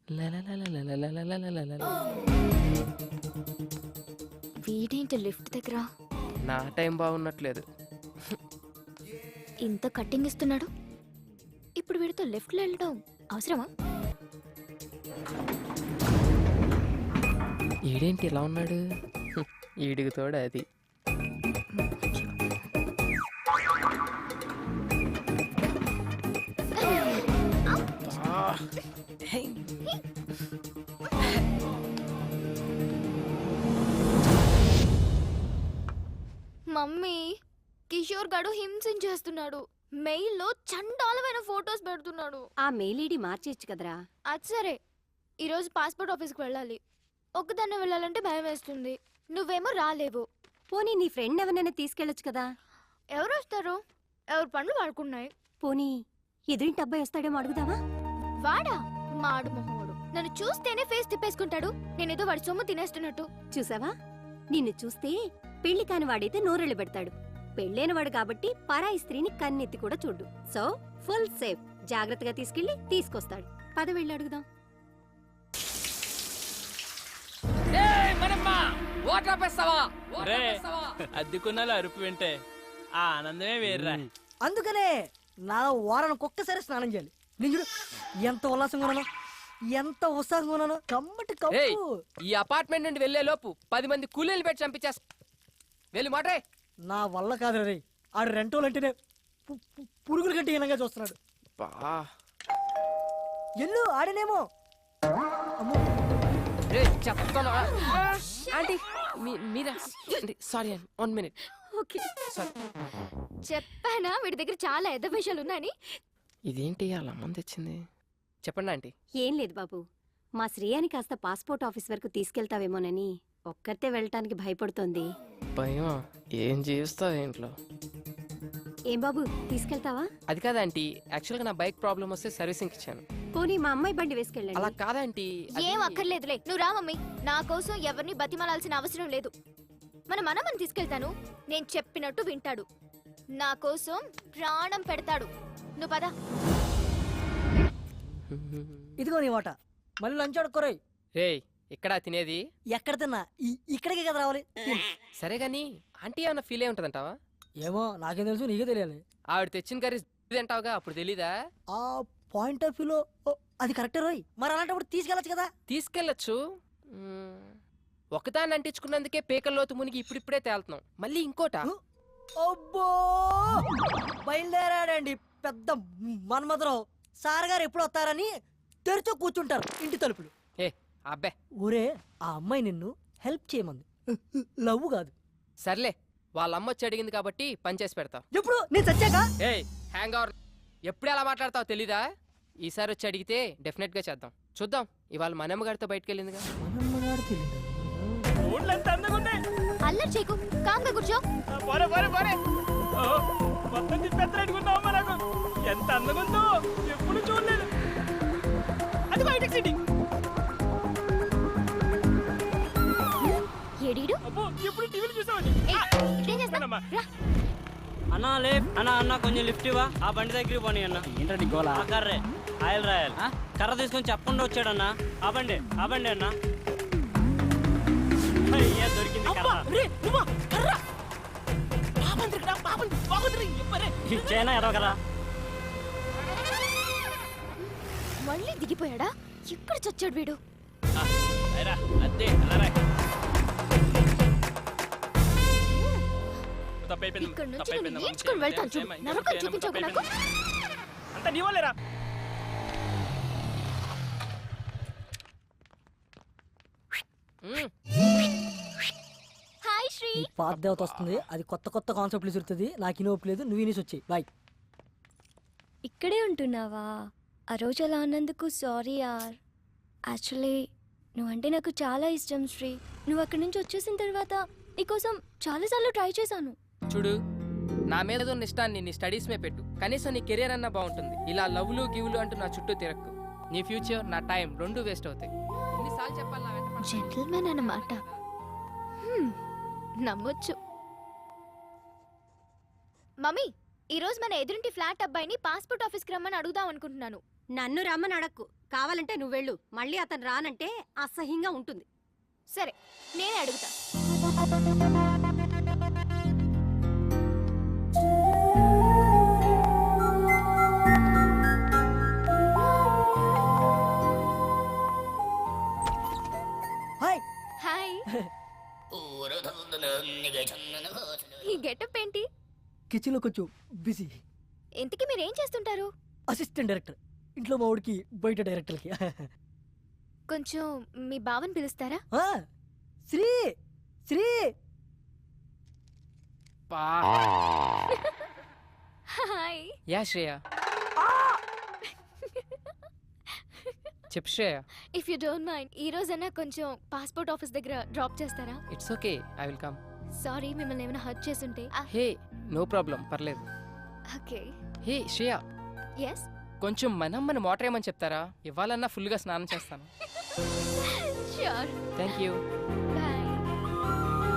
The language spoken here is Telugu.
వీడేంటి లిఫ్ట్ దగ్గర నా టైం బాగున్నట్లేదు. ఇంత కట్టింగ్ ఇస్తున్నాడు, ఇప్పుడు వీడితో లెఫ్ట్లో వెళ్ళడం అవసరమా? ఈడేంటి ఇలా ఉన్నాడు? ఈడికి తోడు అది. మమ్మీ, కిషోర్ గడు హింసించేస్తున్నాడు. మెయిల్లో చండాలమైన ఫొటోస్ పెడుతున్నాడు. ఆ మెయిల్ ఐడి మార్చేయచ్చు కదరా. అది సరే, ఈరోజు పాస్పోర్ట్ ఆఫీస్కి వెళ్ళాలి. ఒక్కదాన్నే వెళ్ళాలంటే భయం వేస్తుంది. నువ్వేమో రాలేవు. పోనీ నీ ఫ్రెండ్ ఎవరినైనా తీసుకెళ్ళొచ్చు కదా. ఎవరు వస్తారు? ఎవరి పనులు వాడుకున్నాయి. పోనీ ఎదురింటి అబ్బాయి వస్తాడేమో అడుగుదావా? వాడా? మాడు మొహోడు. నన్ను చూస్తేనే ఫేస్ తిప్పేసుకుంటాడు. నేనేదో వాడి సొమ్ము తినేస్తున్నట్టు. చూసావా, నిన్ను చూస్తే పెళ్లి కాని వాడైతే నోరెళ్ళు పెడతాడు. పెళ్ళైన వాడు కాబట్టి పరాయి స్త్రీని కన్నెత్తి కూడా చూడు. So full safe. జాగ్రత్తగా తీసుకెళ్లి తీసుకొస్తాడు. పద వెళ్ళి అడుగుదాం. అద్దెకున్నాలో అరుపు వింటే ఆ ఆనందమే వేర్రా. అందుకనే నా వారానికి ఒక్కసారి స్నానం చేయాలి. నిజుడు ఎంత ఉల్లాసంగా ఉన్నాను, ఎంత ఉత్సాహంగా ఉన్నాను. కమ్మటి కప్పు. ఈ అపార్ట్మెంట్ నుండి వెళ్లే లోపు 10 మంది కూలీలు పెట్టి చంపించేస్తా. వెళ్ళి మాట్రే. నా వల్ల కాదు రే. ఆడు రెంటోలు అంటేనే పురుగుల కంటే హీనంగా చూస్తున్నాడు. ఎల్లు ఆడనేమో. Sorry 1 minute. చెప్పానా వీడి దగ్గర చాలా ఎద్ద విషయాలు ఉన్నాయని. ఇదేంటి అలా మంది తెచ్చింది? చెప్పండి ఆంటీ. ఏం లేదు బాబు, మా శ్రేయాని కాస్త పాస్పోర్ట్ ఆఫీస్ వరకు తీసుకెళ్తావేమోనని ఒక్కరితే వెళ్ళటానికి భయపడుతోంది. భయమా? ఏం చేస్తావు ఇంట్లో? ఏం బాబు, తీసుకెళ్తావా? అది కాదా ఆంటీ, యాక్చువల్గా నా బైక్ ప్రాబ్లం వస్తే సర్వీసింగ్ ఇచ్చాను. పోనీ మా అమ్మాయి బండి వేసుకెళ్ళండి. అలా కాదంటీ. ఏం అక్కర్లేదులే, నువ్వు రా మమ్మీ. నా కోసం ఎవరిని బతిమాలాల్సిన అవసరం లేదు. మన మనమని తీసుకెళ్తాను. నేను చెప్పినట్టు వింటాడు. నా కోసం ప్రాణం పెడతాడు. నువ్వు పద. ఇదిగో నీ వాట. మళ్ళీ లంచ్ అడుక్కోరాయి. రే, ఇక్కడ తినేది? ఎక్కడ తిన్నా ఇక్కడికే కదా రావాలి. సరే గాని ఆంటీ ఏమన్నా ఫీల్ అయి ఉంటదంటావా? ఏమో నాకేం తెలుసు, నీకే తెలియాలి. ఆవిడ తెచ్చిన కర్రీ తింటావుగా, అప్పుడు తెలీదా? ఆ పాయింట్ ఆఫ్ వ్యూలో అది కరెక్టే రోయ్. మరి అలాంటప్పుడు తీసుకెళ్ళచ్చు కదా. తీసుకెళ్ళచ్చు. ఒకదాన్ని అంటించుకున్నందుకే పేకల్లోతు మునిగి ఇప్పుడిప్పుడే తేలుతున్నాం. మళ్ళీ ఇంకోట. అబ్బో, బయలుదేరాడండి పెద్ద మన్మధరావు. సార్ గారు ఎప్పుడు వస్తారని తెరిచో కూర్చుంటారు ఇంటి తలుపులు. ఏ అబ్బే, ఊరే ఆ అమ్మాయి నిన్ను హెల్ప్ చేయమంది, లవ్ కాదు. సర్లే, వాళ్ళ అమ్మ వచ్చి అడిగింది కాబట్టి పని చేసి పెడతావు. ఎప్పుడు నేను చచ్చాక? ఏ హ్యాంగ్ అవర్, ఎప్పుడు ఎలా మాట్లాడతావు తెలీదా? ఈసారి వచ్చి అడిగితే డెఫినెట్ గా చేద్దాం. చూద్దాం. ఇవాళ మనమ్మ గారితో బయటకు వెళ్ళిందిగా. అల్లరి చేయకు, కాంగా కూర్చో. ఎంత అందంగా ఉందో ఎప్పుడు చూడలేదు. అది బయటకు సిటీ. ఏడీడు? ఎప్పుడు టీవీలు చూసామండి. అన్నా లే అన్నా, అన్న కొంచెం లిఫ్ట్ ఇవ్వా. ఆ బండి దగ్గరికి పోనీ అన్న. ఏంటండి గోలా? ఆ కర్రే ఆయిల్ రాయాలి. కర్ర తీసుకొని చెప్పకుండా వచ్చాడన్నా. ఆ బండి అన్న. అయ్యా, దొరికింది ఇచ్చేనా ఎరవ కదా. మళ్ళీ దిగిపోయాడా? ఎక్కడ చచ్చాడు వీడు? ఇక్కడ నుంచి నేను ఈడ్చుకొని వెళ్తాను చూడు. నరకం చూపించకు నాకు. అంత నీ వాళ్ళేరా. హాయ్ శ్రీ. పాత దేవత వస్తుంది, అది కొత్త కొత్త కాన్సెప్ట్లు చూస్తుంది. నాకు ఇనోపు లేదు, నువ్వు ఇనేసి వచ్చాయి. బాయ్. ఇక్కడే ఉంటున్నావా? ఆ రోజు అలా అన్నందుకు సారీ యార్. యాక్చువల్లీ నువ్వంటే నాకు చాలా ఇష్టం శ్రీ. నువ్వు అక్కడి నుంచి వచ్చేసిన తర్వాత నీకోసం చాలాసార్లు ట్రై చేశాను. చూడు, నా మీద ఉన్న ఇష్టాన్ని నీ స్టడీస్ మీద పెట్టు. కనీసం నీ కెరీర్ అన్నా బాగుంటుంది. ఇలా లవ్లు గివ్లు అంటూ నా చుట్టూ తిరక్కు. నీ ఫ్యూచర్, నా టైం రెండు వేస్ట్ అవుతాయి. ఎన్నిసార్లు చెప్పాలి నా వెంట? జెంటిల్మెన్ అన్నమాట. నమ్మొచ్చు. మమ్మీ, ఈరోజు మన ఎదురింటి ఫ్లాట్ అబ్బాయిని పాస్పోర్ట్ ఆఫీస్కి రమ్మని అడుగుదాం అనుకుంటున్నాను. నన్ను రమ్మని అడక్కు. కావాలంటే నువ్వు వెళ్ళు మళ్ళీ అతను రానంటే అసహ్యంగా ఉంటుంది. సరే నేనే అడుగుతా. హాయ్. హాయ్. ఈ గెటప్ ఏంటి? కిచెన్ లో కొంచెం బిజీ. ఇంతకీ మీరేం చేస్తుంటారు? Assistant director. ఇంట్లో మా వాడికి బయట డైరెక్టర్కి. కొంచెం మీ బావని పిలుస్తారా? ఆ, శ్రీ శ్రీ పా హాయ్. యా శ్రేయ. చెప్పు Shreya. If you don't mind ఈ రోజైనా కొంచెం పాస్పోర్ట్ ఆఫీస్ దగ్గర డ్రాప్ చేస్తారా? It's okay, I will come. Sorry మిమ్మల్ని ఏమైనా హర్ట్ చేసుంటే. హే నో ప్రాబ్లం, పర్లేదు. ఓకే. Hey Shreya, yes. కొంచెం మన మోటర్ ఏమని చెప్తారా? ఇవ్వాలన్నా ఫుల్గా స్నానం చేస్తాను. ష్యూర్. Thank you. బాయ్.